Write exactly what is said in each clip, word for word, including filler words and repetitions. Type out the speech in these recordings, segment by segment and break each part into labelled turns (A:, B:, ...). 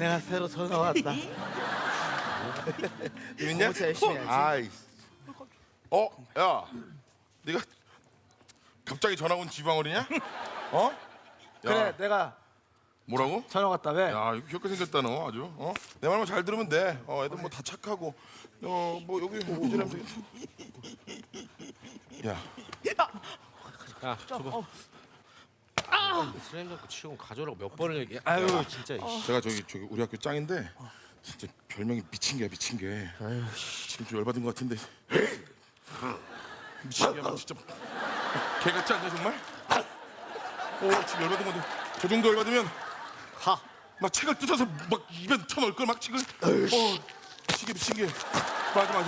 A: 내가 새로 전화 왔다.
B: 재밌냐?
A: 진짜 열심히 해야지.
B: 아이. 어, 야, 네가 갑자기 전화 온 지방어리냐? 어? 야,
A: 그래, 내가
B: 뭐라고?
A: 전화 왔다. 왜?
B: 야, 이거 귀엽게 생겼다 너 아주. 어? 내 말만 잘 들으면 돼. 어, 애들 뭐 다 착하고. 어, 뭐 여기 이제라면 되겠다. 야,
C: 야, 줘봐. 슬램 잡고 치고 가져오라고 몇 번을 얘기해. 아유, 진짜. 이씨.
B: 제가 저기 저기 우리 학교 짱인데 진짜 별명이 미친 게야 미친 게. 지금 좀 열받은 것 같은데. 미친 게야 진짜. 개 같지 않냐 정말? 어, 지금 열받은 건데 저 정도 열받으면
A: 가.
B: 막 책을 뜯어서 막 입에 쳐넣을 걸 막 책을. 어, 미친 게 미친 게. 맞아 맞아.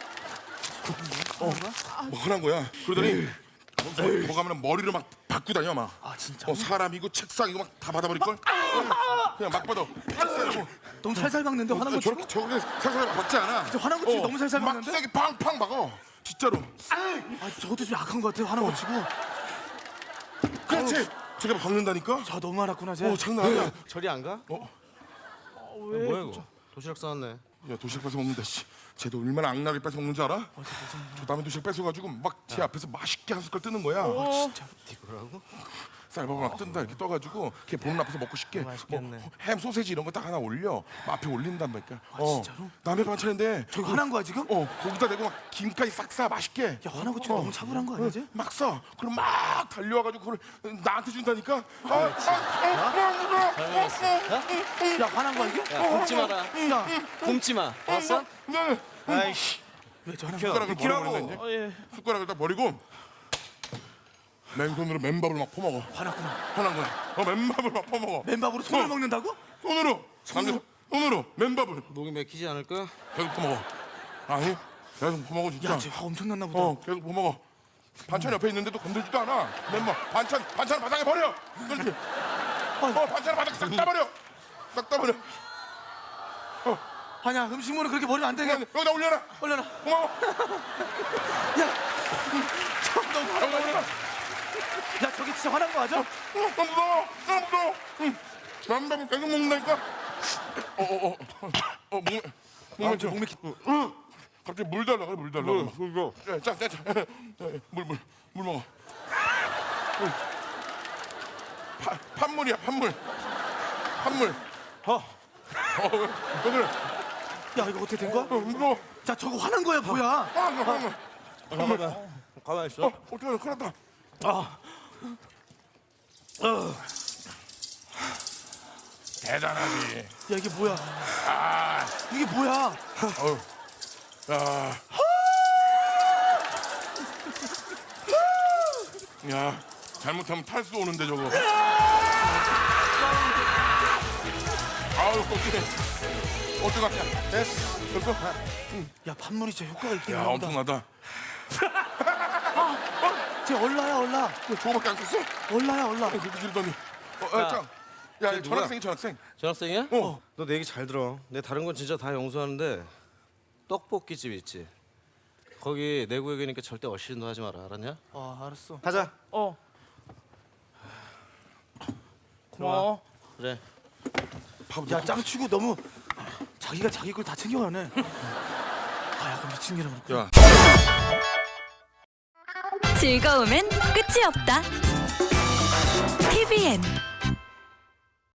B: 어, 뭐 하는 거야? 그러더니 뭐, 뭐 가면 머리를 막 받고 다녀 막.
A: 아, 진짜?
B: 어, 사람이고 책상이고 막 다 받아버릴 걸. 그냥 막 받아. 뭐.
A: 너무 살살 박는데 화난 거
B: 저렇게 저렇게 살살 박지 않아.
A: 화난 거 치고 너무 살살
B: 막
A: 박는데?
B: 세게 팡팡 박어. 진짜로.
A: 아, 저것도 좀 약한 거 같아. 화난 거 치고.
B: 그렇지. 저게 박는다니까.
A: 저 너무 화났구나, 쟤.
B: 어 장난 아니야.
C: 저리 안 가?
B: 어?
A: 왜?
C: 뭐야 이거? 도시락 싸왔네.
B: 야 도시락 뺏어 먹는다. 씨. 쟤도 얼마나 악나게 뺏어 먹는 줄 알아? 저 남의 도시락 뺏어가지고 막 제 앞에서 맛있게 한 숟갈 뜨는 거야.
A: 진짜.
C: 이거라고?
B: 쌀밥을 막 뜬다 이렇게 떠가지고 걔 보는 앞에서 먹고 싶게
A: 맛있겠네.
B: 뭐 햄 소세지 이런 거 딱 하나 올려 앞에 올린단 말이야.
A: 아, 진짜로?
B: 남의 반찬인데
A: 저기 화난 거야, 지금?
B: 어 거기다 대고 막 김까지 싹 싸 맛있게.
A: 야, 화난 거 치고 너무 차분한 거 아니야, 쟤?
B: 막 싸. 그럼 막 달려와가지고 그걸 나한테 준다니까. 아, 아,
A: 야, 화난 거야, 이게?
C: 야, 굶지 마라.
A: 야,
C: 굶지 마. 알았어?
B: 네.
C: 아이씨.
A: 왜 저러는
B: 숟가락을
C: 비키라고.
B: 버려버린다 이제.
A: 어, 예.
B: 숟가락을 딱 버리고 맨손으로 맨밥을 막 퍼먹어.
A: 화났구나.
B: 화난 거야. 어 맨밥을 막 퍼먹어.
A: 맨밥으로 손을
B: 어.
A: 먹는다고?
B: 손으로. 손으로. 손으로 맨밥을
C: 목이 맥히지 않을까?
B: 계속 퍼먹어. 아니 계속 퍼먹어 진짜.
A: 야, 쟤 화 엄청 났나 보다.
B: 어 계속 퍼먹어. 반찬 옆에 있는데도 건들지도 않아. 맨밥 반찬 반찬 바닥에 버려. 그렇지. 어 반찬 바닥에 싹 다 버려. 싹 다 버려.
A: 아니야, 음식물을 그렇게 버리면 안 돼. 그냥
B: 여기다 올려라.
A: 올려라.
B: 고마워.
A: 야, 참 너무 화난
B: 여기다
A: 거야.
B: 올려라.
A: 야, 저기 진짜 화난 거 맞아?
B: 어, 너무 무서워. 너무 무서워. 응. 맨밥을 계속 먹는다니까. 어어어. 어 목.
A: 아, 저 목맥히.
B: 응. 갑자기 물 달라 그래 물 달라. 물 물. 자, 자, 자. 물 물. 물 먹어. 응. 파, 판물이야 판물. 판물.
A: 어.
B: 어 왜? 왜 그래?
A: 야, 이거 어떻게 된 거야?
B: 어, 무서워.
A: 자, 저거 화난 거야, 뭐야?
B: 아, 나 판물.
C: 가만. 가만 있어.
B: 어, 어떡해, 큰일 났다.
A: 아,
B: 대단하지.
A: 야, 이게 뭐야?
B: 아,
A: 이게 뭐야?
B: 어우. 야. 야, 잘못하면 탈수 오는데 저거. 아우, 어떡해. 어떡하냐. 됐어. 됐어.
A: 야, 판물이 진짜 효과가 있긴
B: 야,
A: 하다.
B: 엄청나다.
A: 쟤 얼라야, 얼라.
B: 야, 저거밖에 안 썼어?
A: 얼라야, 얼라.
B: 그렇게 지르더니. 어, 야, 짱. 야,
C: 쟤 누구야?
B: 전학생이 전학생.
C: 전학생이야?
B: 어.
C: 너 내 얘기 잘 들어. 내 다른 건 진짜 다 용서하는데 떡볶이집 있지. 거기 내 구역이니까 절대 어시신도 하지 마라. 알았냐?
A: 아, 알았어.
C: 가자.
A: 어. 고마워.
C: 그래.
A: 야, 짱치고 너무 자기가 자기 걸 다 챙겨가네. 아, 약간 미친 게라 그렇구나.
B: 야.
D: 즐거움엔 끝이 없다. 티비엔